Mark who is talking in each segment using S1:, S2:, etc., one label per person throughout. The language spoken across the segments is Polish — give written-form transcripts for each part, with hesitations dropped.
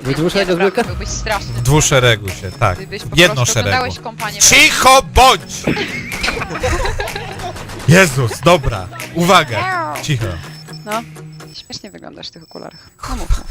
S1: Wy dwuszeregu
S2: naprawdę,
S1: zwykle?
S2: byłbyś straszny.
S3: W dwuszeregu się, tak.
S2: Gdybyś po
S3: Jedno
S2: prostu
S3: szeregu.
S2: oglądałeś kompanię.
S3: Cicho bądź! Jezus, dobra. Uwaga. Cicho.
S2: No, śmiesznie wyglądasz w tych okularach. No mów.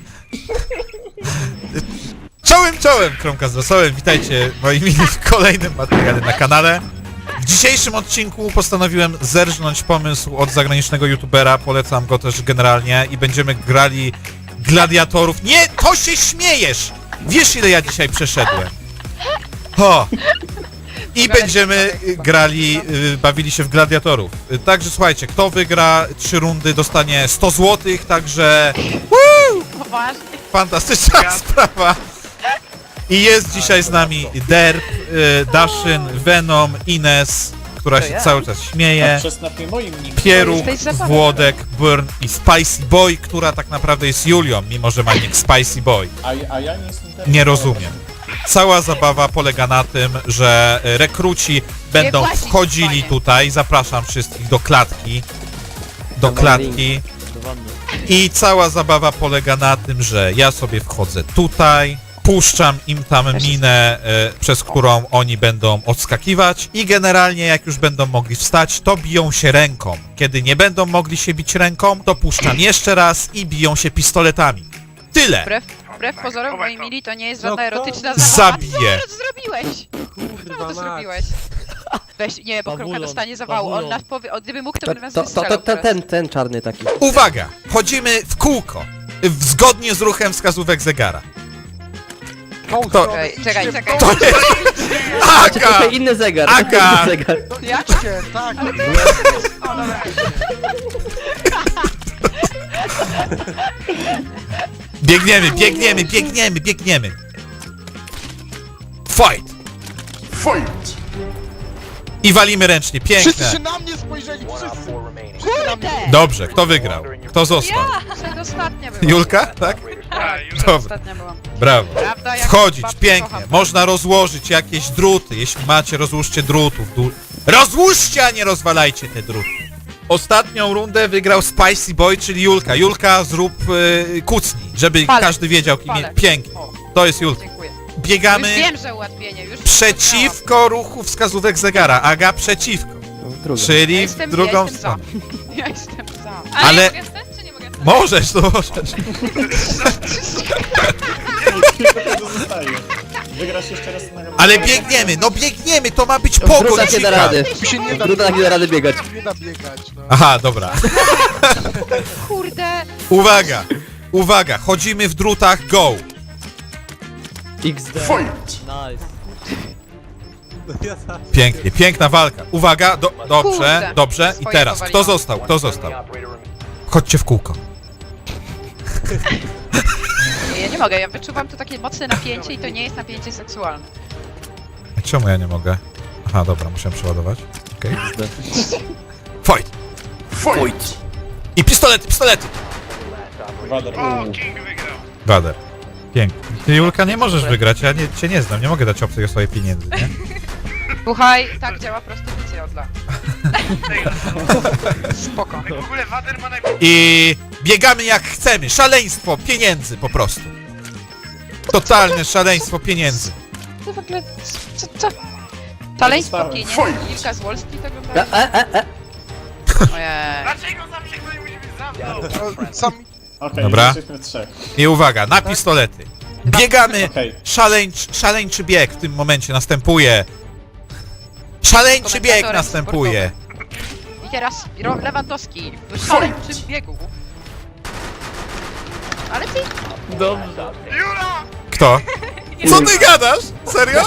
S3: Czołem, Kromka z Rosołem. Witajcie moi mili w kolejnym materiale na kanale. W dzisiejszym odcinku postanowiłem zerżnąć pomysł od zagranicznego youtubera, polecam go też generalnie i będziemy grali gladiatorów. Nie, to się śmiejesz! Wiesz, ile ja dzisiaj przeszedłem? Ho! I będziemy grali, bawili się w gladiatorów. Także słuchajcie, kto wygra 3 rundy dostanie 100 zł, także
S2: Poważnie.
S3: fantastyczna sprawa. I jest dzisiaj z nami Derp, Daszyn, Venom, Ines, która się cały czas śmieje,
S4: Przez napój moim nim.
S3: Pieruk,
S2: To jest zabawa.
S3: Włodek, Burn i Spicy Boy, która tak naprawdę jest Julią, mimo że ma nick Spicy Boy.
S4: A ja nie jestem teraz.
S3: Nie rozumiem. Cała zabawa polega na tym, że rekruci będą
S2: płacić,
S3: wchodzili
S2: panie.
S3: tutaj, zapraszam wszystkich do klatki. Do
S1: Tam
S3: klatki. I cała zabawa polega na tym, że ja sobie wchodzę tutaj, puszczam im tam minę, przez którą oni będą odskakiwać i generalnie jak już będą mogli wstać, to biją się ręką. Kiedy nie będą mogli się bić ręką, to puszczam jeszcze raz i biją się pistoletami. Tyle!
S2: Wbrew pozorom, moi mili, to nie jest żadna erotyczna zabawa.
S3: Zabiję!
S2: Co zrobiłeś? Czemu to zrobiłeś? Weź, nie, bo Kromka dostanie zawału. On nas powie, gdyby mógł, to by nas wystrzelał teraz.
S1: Ten czarny taki.
S3: Uwaga! Chodzimy w kółko, zgodnie z ruchem wskazówek zegara. To,
S2: Czekaj.
S3: to jest...
S1: Macie
S3: Aga!
S1: trochę inny zegar.
S3: Aga!
S1: Inny zegar.
S2: Jak?
S5: Tak,
S3: Biegniemy! Fight! I walimy ręcznie,
S5: wszyscy się
S3: piękne.
S5: na mnie spojrzeli, wszyscy!
S2: Kurde!
S3: Dobrze, kto wygrał? Kto został?
S2: Przedostatnia byłam.
S3: Julka, tak? Dobra,
S2: Ostatnia byłam.
S3: brawo.
S2: Prawda, jak
S3: Wchodzić,
S2: babcię
S3: pięknie.
S2: kocham.
S3: Można rozłożyć jakieś druty. Jeśli macie, rozłóżcie drutów. Rozłóżcie, a nie rozwalajcie te druty. Ostatnią rundę wygrał Spicy Boy, czyli Julka. Julka, zrób kucnij, żeby
S2: Palec.
S3: każdy wiedział, kim jest.
S2: Palec.
S3: Pięknie.
S2: O,
S3: To jest Julka.
S2: dziękuję. Już
S3: Biegamy
S2: wiem, że ułatwienie, już
S3: przeciwko ruchu wskazówek zegara. Aga przeciwko,
S1: Druga.
S3: czyli w drugą stronę.
S2: Ja jestem za.
S3: Ale-
S6: ja mogę stać, czy nie mogę stać?
S3: Możesz, to możesz.
S4: Tylko tego zostaje. Wygrasz jeszcze raz na...
S3: Ale biegniemy, to ma być
S1: Druga
S3: pogoń.
S1: nie da rady.
S5: Mi się nie da,
S1: Druga nie da rady biegać.
S5: nie da biegać, no.
S3: Aha, dobra.
S2: Kurde!
S3: Uwaga, chodzimy w drutach, go.
S1: XD.
S7: Nice.
S3: Pięknie, piękna walka. Uwaga,
S2: Kurde.
S3: dobrze. I
S2: Swoje
S3: teraz,
S2: powaliłam.
S3: kto został? Chodźcie w kółko.
S2: Nie, ja nie mogę, ja wyczuwam tu takie mocne napięcie i to nie jest napięcie seksualne.
S3: A czemu ja nie mogę? Aha, dobra, muszę przeładować. Okej. Fight! I pistolety!
S4: Wader.
S3: Wader. Pięknie. Ty, Julka, nie możesz wygrać, ja cię nie znam, nie mogę dać obcej osobie pieniędzy, nie?
S2: Słuchaj, tak działa prostytucja od lat. Spoko.
S3: I biegamy jak chcemy, szaleństwo pieniędzy po prostu. Totalne szaleństwo pieniędzy.
S2: To w ogóle... Co? Szaleństwo
S4: Dostałem.
S2: pieniędzy, Wilka z Wall Street oglądałeś? Ojej.
S5: No, sami...
S4: Okej,
S3: Dobra.
S4: jesteśmy 3.
S3: I uwaga, na pistolety. Biegamy,
S4: Okej.
S3: szaleńczy bieg w tym momencie następuje. Szaleńczy bieg
S2: Komentatorem
S3: następuje.
S2: I teraz Lewandowski w szaleńczym biegu. Ale ty...
S3: Kto? Co ty gadasz? Serio?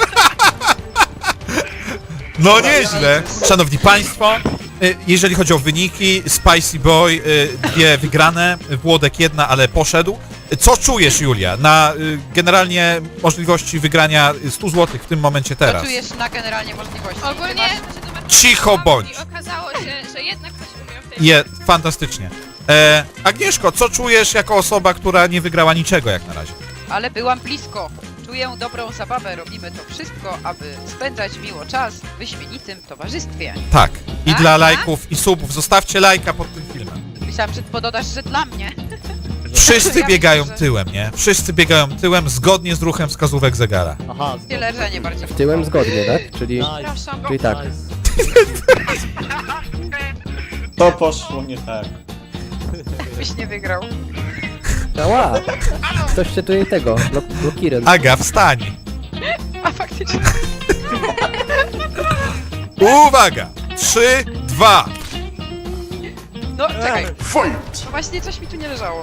S3: No nieźle. Szanowni Państwo, jeżeli chodzi o wyniki, Spicy Boy 2 wygrane, Włodek 1, ale poszedł. Co czujesz, Julia, na generalnie możliwości wygrania 100 zł w tym momencie
S2: Co
S3: teraz?
S2: czujesz na generalnie możliwości?
S6: Ogólnie
S2: Ty masz-
S3: Cicho bądź.
S6: I okazało się, że jednak ktoś umiał w tej
S3: Fantastycznie. Agnieszko, co czujesz jako osoba, która nie wygrała niczego jak na razie?
S2: Ale byłam blisko. Czuję dobrą zabawę, robimy to wszystko, aby spędzać miło czas w wyśmienitym towarzystwie.
S3: Tak. I
S2: Tak,
S3: dla
S2: tak?
S3: lajków i subów. Zostawcie lajka pod tym filmem.
S2: Myślałam, że pododasz, że dla mnie.
S3: Wszyscy
S2: Ja
S3: biegają
S2: myślę, że-
S3: tyłem, nie? Wszyscy biegają tyłem zgodnie z ruchem wskazówek zegara.
S1: Aha,
S2: Tyle, że nie bardziej.
S1: tyłem zgodnie, tak? Czyli
S2: Przepraszam.
S1: tak.
S4: To poszło nie tak.
S2: Byś nie wygrał.
S1: Ała! Ktoś się tutaj tego, blokiren.
S3: Aga, wstań!
S2: A faktycznie.
S3: Uwaga! 3, 2.
S2: No, czekaj. No właśnie coś mi tu nie leżało.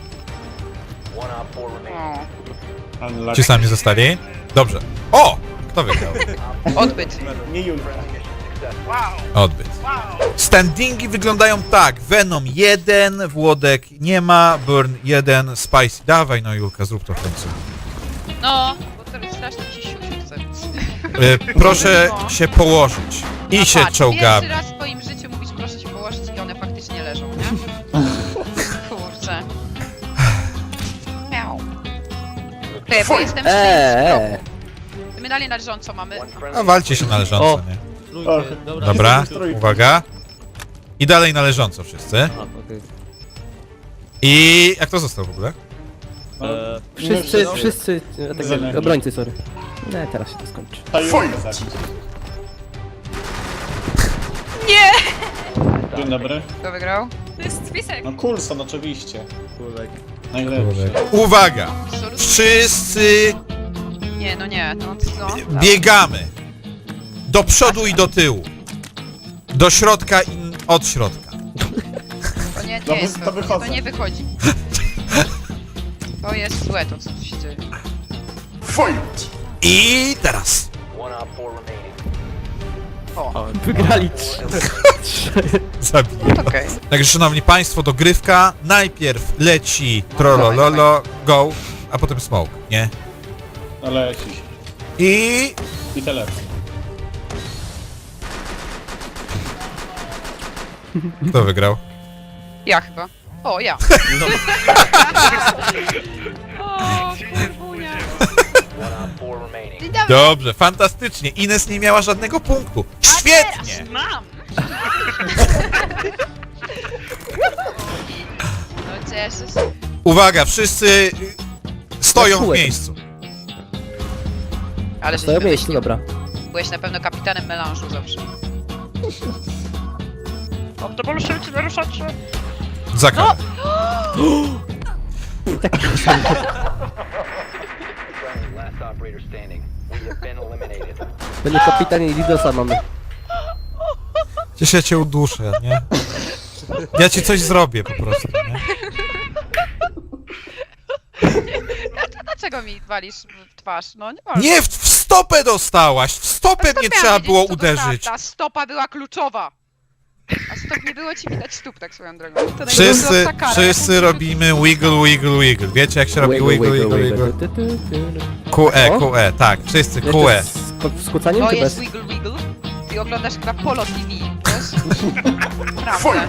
S2: O,
S3: Ci sami zostali? Dobrze. O! Kto wygrał?
S2: odbyt.
S4: Nie Julka.
S3: Odbyt. Standingi wyglądają tak. Venom 1, Włodek nie ma, Burn 1, Spicy. Dawaj no Julka, zrób to w końcu.
S2: No, bo to strasznie mi się siusiu chce.
S3: Proszę się położyć. I się
S2: Patrz,
S3: czołgamy.
S2: pierwszy raz w swoim życiu mówisz proszę się położyć i one faktycznie leżą, nie? Kurczę. Miau. Ty, bo jestem w My dalej na leżąco mamy.
S3: A walcie się na leżąco,
S1: O.
S3: nie?
S4: O,
S3: Dobra,
S4: Trójka.
S3: uwaga. I dalej na leżąco wszyscy.
S1: Okej.
S3: I... Jak to został w ogóle?
S4: No,
S1: Wszyscy,
S4: Zeleni.
S1: obrońcy, sorry. Nie, teraz się to skończy.
S4: Ta Julka zabić.
S2: Nie!
S4: Dzień dobry.
S2: Kto wygrał?
S6: To jest spisek.
S4: No Coulson oczywiście. Najlepszy.
S3: Uwaga!
S2: Absolutnie.
S3: Wszyscy
S2: Nie, no nie. No, no.
S3: biegamy. Do przodu i do tyłu. Do środka i od środka.
S2: To nie,
S4: No,
S2: nie jest
S4: to
S2: to,
S4: wychodzę.
S2: to nie wychodzi. To jest złe to, co tu się dzieje.
S3: I teraz.
S1: Wygrali
S3: Zabiję.
S2: Okej.
S3: Także szanowni państwo, dogrywka. Najpierw leci Trollololo, go, a potem smoke, nie?
S4: No leci.
S3: I...
S4: I telefon.
S3: Kto wygrał?
S2: Ja chyba. O, ja. O, kurwunia. Dzień dobry.
S3: Dobrze, fantastycznie. Ines nie miała żadnego punktu. Świetnie!
S2: Teraz mam! No cieszę się.
S3: Uwaga, wszyscy stoją w
S1: Kółek.
S3: miejscu.
S2: Ale
S1: Stoją
S2: żeś
S1: w miejscu,
S2: wymyślił.
S1: dobra.
S2: Byłeś na pewno kapitanem melanżu zawsze.
S3: Za karę.
S1: Będzie kapitan i Lidosa mamy.
S3: Przecież ja cię uduszę, nie? Ja ci coś zrobię po prostu, nie?
S2: Dlaczego mi walisz w twarz? No nie wolno.
S3: Nie, w stopę dostałaś! W stopę
S2: To
S3: mnie
S2: miałam
S3: trzeba
S2: wiedzieć,
S3: było
S2: co to
S3: uderzyć.
S2: Ta stopa była kluczowa. A stop nie było ci widać stóp tak swoją drogą. To najgorsza
S3: Wszyscy,
S2: kara,
S3: wszyscy
S2: jaką-
S3: robimy wiggle, wiggle, wiggle. Wiecie jak się robi wiggle, wiggle, wiggle? QE,
S1: O.
S3: QE, tak, wszyscy
S1: Jeszcze
S3: QE.
S1: z kucaniem
S2: To
S1: czy
S2: jest
S1: bez?
S2: wiggle wiggle. Ty oglądasz chyba Polo TV, wiesz? Prawda.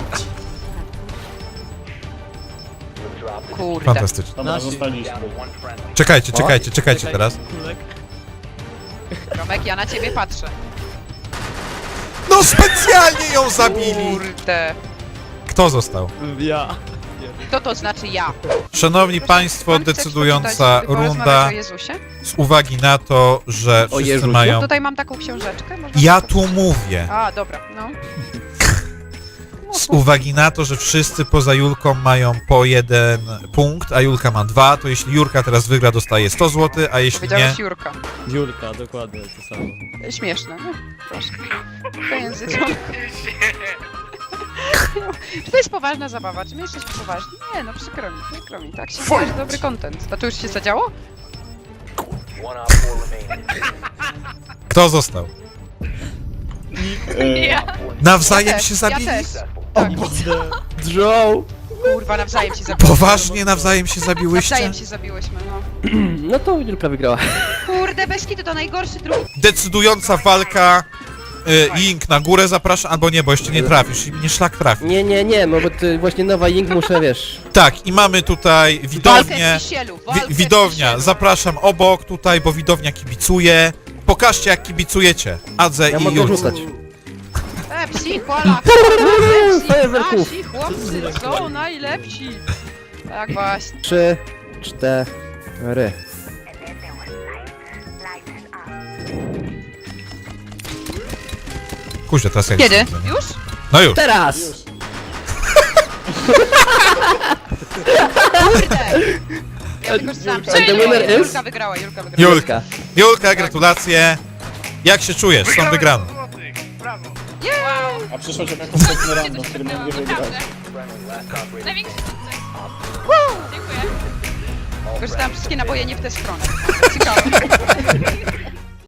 S2: Kurde.
S3: Fantastycznie.
S4: Dobra, zostaliśmy.
S3: Czekajcie teraz.
S2: Romek, ja na ciebie patrzę.
S3: No specjalnie ją zabili!
S2: Kurde.
S3: Kto został?
S2: Co to znaczy ja?
S3: Szanowni państwo,
S2: Pan chce
S3: decydująca
S2: przeczytać, porozmawiać
S3: runda
S2: o Jezusie?
S3: z uwagi na to, że wszyscy
S1: Jezusie?
S3: mają...
S2: Tutaj mam taką książeczkę. Można
S3: Ja
S2: przeczytać?
S3: tu mówię.
S2: A, dobra, no.
S3: Z uwagi na to, że wszyscy poza Julką mają po 1 punkt, a Julka ma 2, to jeśli Jurka teraz wygra, dostaje 100 zł, a jeśli nie...
S2: Powiedziałeś Jurka.
S7: Julka, dokładnie to samo.
S2: Śmieszne, no. Proszę. To języczą. Czy to jest poważna zabawa? Czy my jesteśmy poważni? Nie, no przykro mi. Tak się tworzy dobry content. A to już się zadziało?
S3: Kto został?
S2: Ja
S3: Nawzajem
S2: też,
S3: się
S2: ja
S3: zabili?
S2: też. Tak.
S1: Joe!
S2: Kurwa, nawzajem się zabiłyśmy.
S3: Poważnie nawzajem się zabiłyście?
S2: Nawzajem się zabiłyśmy, no.
S1: No to Julka wygrała.
S2: Kurde, bez kitu to najgorszy drugi.
S3: Decydująca walka. Link na górę zapraszam, albo nie, bo jeszcze nie trafisz i mnie szlak trafi.
S1: Nie, bo to właśnie nowa Ying muszę, wiesz.
S3: Tak, i mamy tutaj
S2: Walkę
S3: widownię.
S2: w Kisielu, walkę w
S3: Widownia,
S2: Kisielu.
S3: zapraszam obok tutaj, bo widownia kibicuje. Pokażcie jak kibicujecie. Adze
S1: Ja
S3: i
S1: mogę
S3: Julce.
S1: rzucać.
S2: Psi, kola,
S1: Fajerwerków.
S2: nasi chłopcy są najlepsi. Tak właśnie.
S1: 3, 4.
S3: Kuźwa, teraz jak...
S2: Kiedy? Już?
S3: No już.
S1: Teraz!
S2: Kurde! Ja tylko czytałam,
S1: And the winner is?
S2: Julka wygrała, Julka wygrała.
S3: Julka. Julka, gratulacje. Jak się czujesz? Są wygrane.
S6: Wow.
S4: A przyszło cię jako kompletny
S6: Się
S4: random,
S6: to
S4: który
S6: śmignęło,
S4: mógł wygrać.
S6: naprawdę. Największy sukces. Dziękuję.
S2: Korzystałam wszystkie naboje nie w tę stronę. Ciekawe.